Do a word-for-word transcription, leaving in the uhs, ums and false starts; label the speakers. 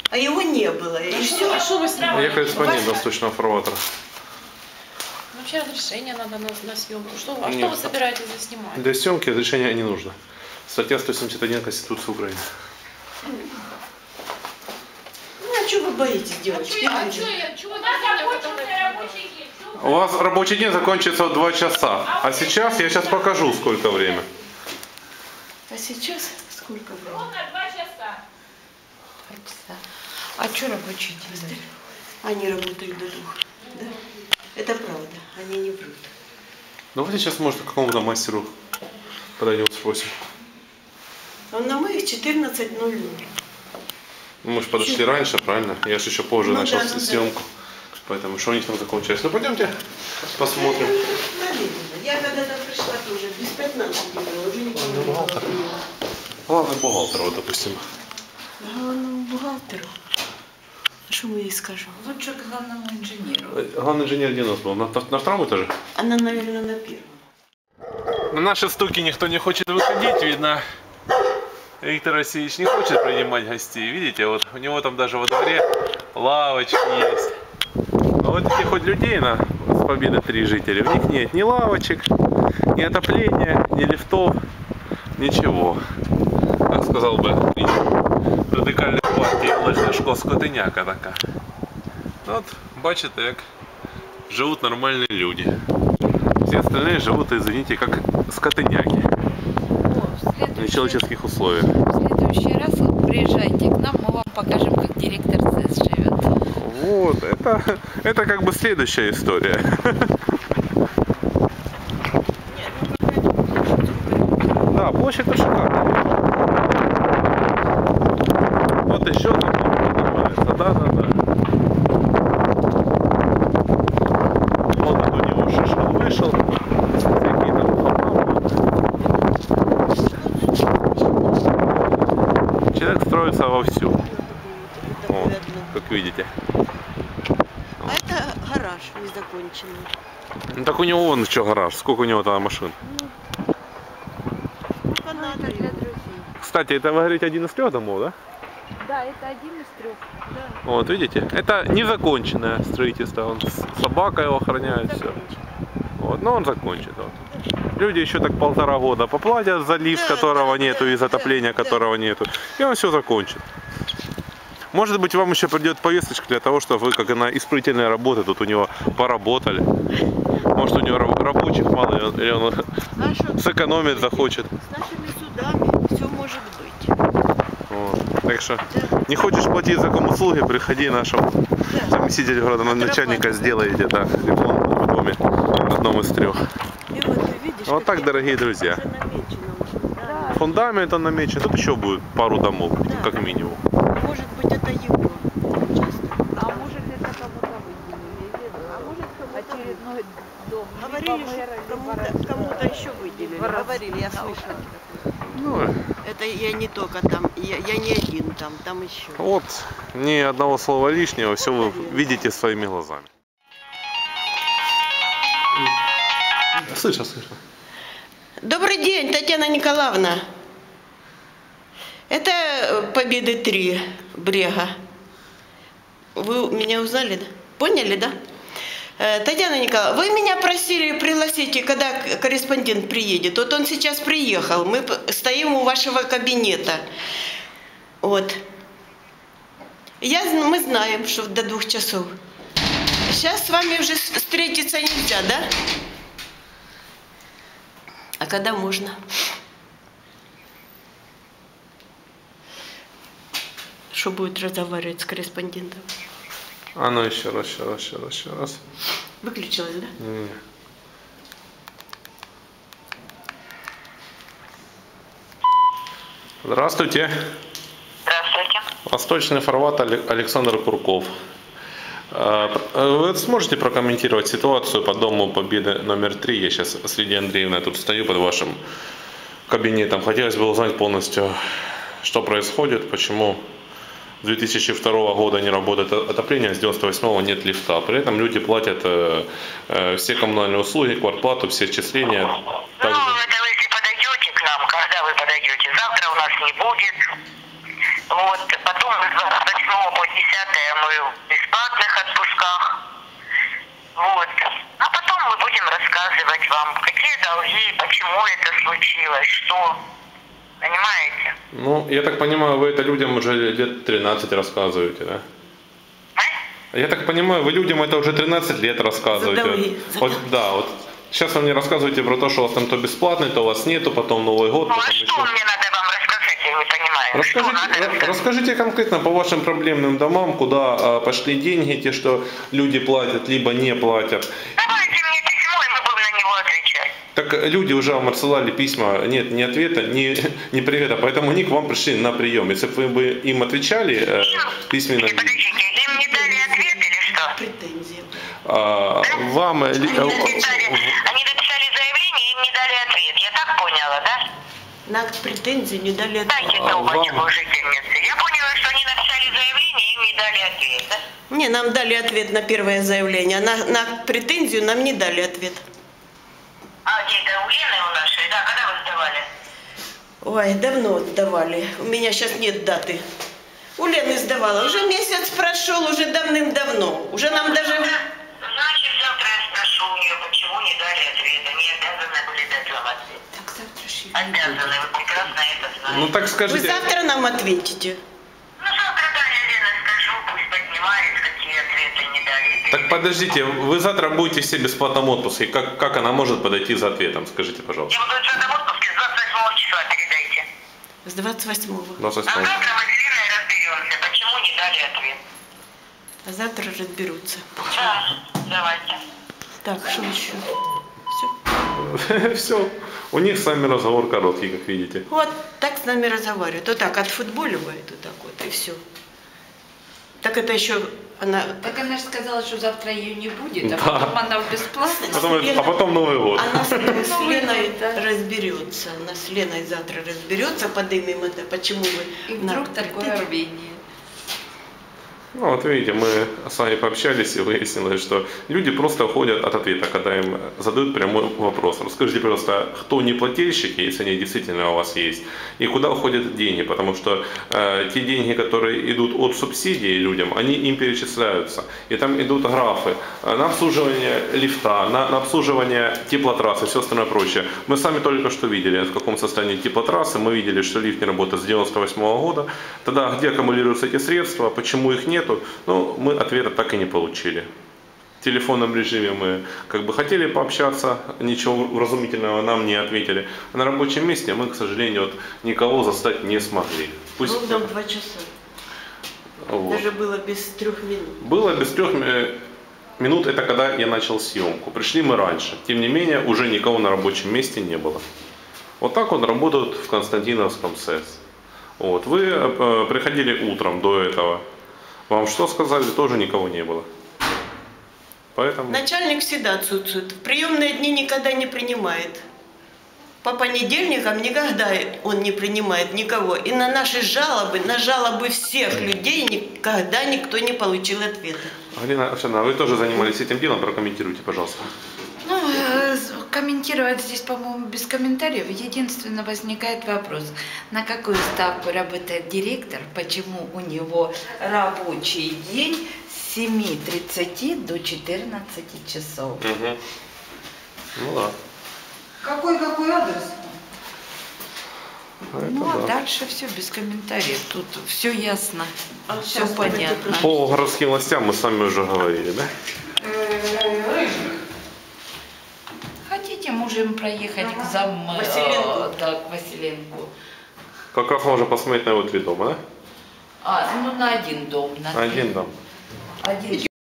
Speaker 1: а его не было. И все.
Speaker 2: А что вы сразу?
Speaker 3: Я корреспондент восточного фарватера.
Speaker 2: Вообще разрешение надо на, на съемку. Что, а
Speaker 3: Нет.
Speaker 2: что вы собираетесь заснимать?
Speaker 3: Для съемки разрешения не нужно. Статья сто семьдесят один Конституции Украины.
Speaker 1: Ну а что вы боитесь, девочки?
Speaker 2: А что я? Чего у нас закончился рабочий день?
Speaker 3: У вас рабочий день закончится в два часа. А сейчас я сейчас покажу, сколько время.
Speaker 1: А сейчас сколько времени?
Speaker 2: Ровно два часа.
Speaker 1: А что рабочий день? Они работают до двух. Да? Это правда, они не врут.
Speaker 3: Давайте сейчас, может, к какому-то мастеру подойдем, спросим.
Speaker 1: Он на моих четырнадцать ноль ноль.
Speaker 3: Ну, мы же подошли раньше, правильно? Я же еще позже
Speaker 1: Ну,
Speaker 3: начал
Speaker 1: да, ну,
Speaker 3: съемку. Поэтому что у них там закончилось? Ну, пойдемте посмотрим.
Speaker 1: Я когда-то пришла тоже без пятнадцати было, уже никого не было.
Speaker 3: Главный бухгалтер, вот, допустим.
Speaker 1: Главному бухгалтеру. Что мы ей скажем?
Speaker 4: Лучше к главному инженеру.
Speaker 3: Главный инженер где у нас был? На, на втором этаже?
Speaker 1: Она, наверное, на первом.
Speaker 3: На наши стуки никто не хочет выходить, видно. Виктор Васильевич не хочет принимать гостей. Видите, вот у него там даже во дворе лавочки есть. А вот этих хоть людей на с Победы три жителей, у них нет ни лавочек, ни отопления, ни лифтов, ничего. Как сказал бы радикальной партії Олег Ляшко, скотиняка така. От, бачите, як живуть нормальні люди. Все остальные живут, извините, как скотиняки. В нечеловеческих условиях.
Speaker 4: В следующий раз вот приезжайте к нам, мы вам покажем, как директор ЦЭС живет.
Speaker 3: Вот, это, это как бы следующая история. Да, площадь шикарная. Вот еще там называется. Да, да, да. Вот тут у него шишел вышел. Всякие там человек строится вовсю. Вот, как видите.
Speaker 1: А это гараж незаконченный.
Speaker 3: Ну так у него вон что гараж, сколько у него там машин.
Speaker 1: Фанаты.
Speaker 4: Для друзей.
Speaker 3: Кстати, это вы говорите один из трех домов, да?
Speaker 4: Да, это один из трех. Да.
Speaker 3: Вот, видите? Это незаконченное строительство. Он с собакой его охраняет, все. Вот, но он закончит. Вот. Люди еще так полтора года поплатят за лифт,
Speaker 1: Да,
Speaker 3: которого
Speaker 1: да,
Speaker 3: нету,
Speaker 1: да,
Speaker 3: и затопления,
Speaker 1: да,
Speaker 3: которого нету. И он все закончит. Может быть, вам еще придет повесточка для того, чтобы вы, как на исправительные работы, тут у него поработали. Может, у него рабочих мало, или он
Speaker 1: А что,
Speaker 3: сэкономить захочет.
Speaker 1: с нашими судами все может быть.
Speaker 3: Вот. Так что не хочешь платить за комуслуги, приходи нашему заместителю градоначальника, сделаете, да, ремонт в доме, в одном из трех.
Speaker 1: И вот ты видишь,
Speaker 3: Вот так, дорогие друзья.
Speaker 1: уже намечено уже, да.
Speaker 3: Фундамент он намечен, тут еще будет пару домов,
Speaker 1: Да.
Speaker 3: как минимум.
Speaker 1: Может быть, это его участок.
Speaker 4: А может это кому-то выделили, а может очередной дом.
Speaker 1: Говорили, что кому-то кому-то еще выделили. Говорили, я слышала.
Speaker 3: Ну,
Speaker 1: Это я не только там, я, я не один там, там еще.
Speaker 3: вот, ни одного слова лишнего, все вы видите своими глазами. Слышно, слышно.
Speaker 1: Добрый день, Татьяна Николаевна. Это Победы три, Брега. Вы меня узнали, да? Поняли, да? Э, Татьяна Николаевна, вы меня просили пригласить, когда корреспондент приедет. Вот он сейчас приехал, мы стоим у вашего кабинета. Вот. Я, мы знаем, что до двух часов. Сейчас с вами уже встретиться нельзя, да? А когда можно? Что будет разговаривать с корреспондентом?
Speaker 3: А ну еще раз, еще раз, еще раз, еще раз.
Speaker 1: Выключилась, да?
Speaker 3: Не. Здравствуйте.
Speaker 5: Здравствуйте.
Speaker 3: Восточный фарватер Александр Курков. Вы сможете прокомментировать ситуацию по Дому Победы номер три? Я сейчас с Лидией Андреевной тут стою под вашим кабинетом. Хотелось бы узнать полностью, что происходит, почему с две тысячи второго года не работает отопление, с девяносто восьмого нет лифта. При этом люди платят э, э, все коммунальные услуги, квартплату, все отчисления. Также...
Speaker 5: Ну, это вы если подойдете к нам, когда вы подойдете? Завтра у нас не будет. Вот, потом вы восьмого по десятое мы в бесплатных отпусках. Вот. А потом мы будем рассказывать вам, какие долги, почему это случилось, что. Понимаете?
Speaker 3: Ну, я так понимаю, вы это людям уже лет тринадцать рассказываете, да?
Speaker 5: А?
Speaker 3: Я так понимаю, вы людям это уже тринадцать лет рассказываете.
Speaker 1: За долги, за
Speaker 3: Вот,
Speaker 1: долги.
Speaker 3: да, вот сейчас вы мне рассказываете про то, что у вас там то бесплатный, то у вас нету, потом Новый год,
Speaker 5: Ну а
Speaker 3: потом
Speaker 5: что
Speaker 3: еще.
Speaker 5: мне надо вам рассказать, я не понимаю. Что надо
Speaker 3: Расскажите,
Speaker 5: рассказать?
Speaker 3: расскажите конкретно по вашим проблемным домам, куда а, пошли деньги, те, что люди платят, либо не платят.
Speaker 5: Давайте мне письмо, и мы будем на него отвечать.
Speaker 3: Так люди уже вам отсылали письма, нет ни ответа, ни, ни привета, поэтому они к вам пришли на прием. Если бы вы бы им отвечали э, письменно,
Speaker 5: Или подождите, им не дали ответ или что?
Speaker 1: Претензии.
Speaker 3: а, вам... э,
Speaker 5: Они
Speaker 3: э,
Speaker 5: написали, они написали заявление, им не дали ответ. Я так поняла, да?
Speaker 1: На акт претензий не дали ответ.
Speaker 5: Дайте
Speaker 3: А,
Speaker 5: трубочку
Speaker 3: вам-
Speaker 5: жительницы. Я поняла, что они написали заявление, им не дали ответ, да?
Speaker 1: Не, нам дали ответ на первое заявление, а на, на акт претензию нам не дали ответ.
Speaker 5: А где это у Лены у нашей? Да, когда вы сдавали?
Speaker 1: Ой, давно сдавали. У меня сейчас нет даты. У Лены сдавала. Уже месяц прошел, уже давным-давно. Уже нам даже...
Speaker 5: Значит, завтра я спрошу у нее, почему не дали ответ. Они обязаны были дать вам ответ.
Speaker 4: Так завтра же
Speaker 5: Обязаны, вы прекрасно это знаете.
Speaker 3: Ну так
Speaker 1: Вы
Speaker 3: скажите,
Speaker 1: завтра нам ответите.
Speaker 5: Ну, завтра Таня Лена скажу, пусть поднимает, какие ответы не дали.
Speaker 3: так подождите, вы завтра будете все в бесплатном отпуске, как, как она может подойти за ответом, скажите, пожалуйста.
Speaker 5: Я буду в этом отпуске с двадцать восьмого числа, передайте.
Speaker 1: С двадцать восьмого.
Speaker 3: двадцать
Speaker 5: А
Speaker 3: восьмого.
Speaker 5: завтра мы с Леной разберемся, почему не дали ответ.
Speaker 1: А завтра разберутся.
Speaker 5: Да, давайте.
Speaker 1: Так, что еще? Все.
Speaker 3: Все. У них с вами разговор короткий, как видите.
Speaker 1: Вот так с нами разговаривают. Вот так отфутболивает, вот так вот, и все. Так это еще она...
Speaker 4: Так она же сказала, что завтра ее не будет, а
Speaker 3: Да.
Speaker 4: потом она в бесплатно.
Speaker 3: Потом, а потом Новый год.
Speaker 1: Она с, с
Speaker 4: Новый
Speaker 1: Леной
Speaker 4: год, да.
Speaker 1: разберется. Она с Леной завтра разберется, подымем это. Почему вы...
Speaker 4: И
Speaker 1: на
Speaker 4: вдруг такое
Speaker 1: претензии?
Speaker 4: рвение.
Speaker 3: Ну вот видите, мы с вами пообщались и выяснилось, что люди просто уходят от ответа, когда им задают прямой вопрос. Расскажите, пожалуйста, кто неплательщики, если они действительно у вас есть, и куда уходят деньги, потому что э, те деньги, которые идут от субсидий людям, они им перечисляются. И там идут графы э, на обслуживание лифта, на, на обслуживание теплотрассы и все остальное прочее. Мы сами только что видели, в каком состоянии теплотрассы, мы видели, что лифт не работает с девяносто восьмого года. Тогда где аккумулируются эти средства, почему их нет? Ну, мы ответа так и не получили. В телефонном режиме мы как бы хотели пообщаться, ничего вразумительного нам не ответили. А на рабочем месте мы, к сожалению, вот, никого застать не смогли. Пусть...
Speaker 1: Был нам два часа.
Speaker 3: Вот.
Speaker 1: Даже было без трех минут.
Speaker 3: Было без трех э, минут, это когда я начал съемку. Пришли мы раньше. Тем не менее, уже никого на рабочем месте не было. Вот так вот работают в Константиновском СЭС. Вот. Вы э, приходили утром до этого. Вам что сказали, тоже никого не было. Поэтому...
Speaker 1: Начальник всегда отсутствует. В приемные дни никогда не принимает. По понедельникам никогда он не принимает никого. И на наши жалобы, на жалобы всех людей никогда никто не получил ответа.
Speaker 3: Галина Овсяновна, вы тоже занимались этим делом, прокомментируйте, пожалуйста.
Speaker 4: Ну, э, комментировать здесь, по-моему, без комментариев. Единственно возникает вопрос, на какую ставку работает директор, почему у него рабочий день с семи тридцати до четырнадцати часов.
Speaker 3: Угу. Ну да.
Speaker 4: Какой-какой адрес?
Speaker 3: Это
Speaker 4: Ну, а
Speaker 3: да.
Speaker 4: дальше все без комментариев. Тут все ясно,
Speaker 1: А
Speaker 4: все
Speaker 1: сейчас
Speaker 4: понятно.
Speaker 3: По городским властям мы с вами уже говорили, да?
Speaker 4: Хотите, можем проехать к зам... э,
Speaker 1: Василенко.
Speaker 4: да, к Василенку.
Speaker 3: Как раз можно посмотреть на его три дома, да?
Speaker 4: А, ну на один дом. На
Speaker 3: Один дом.
Speaker 4: Один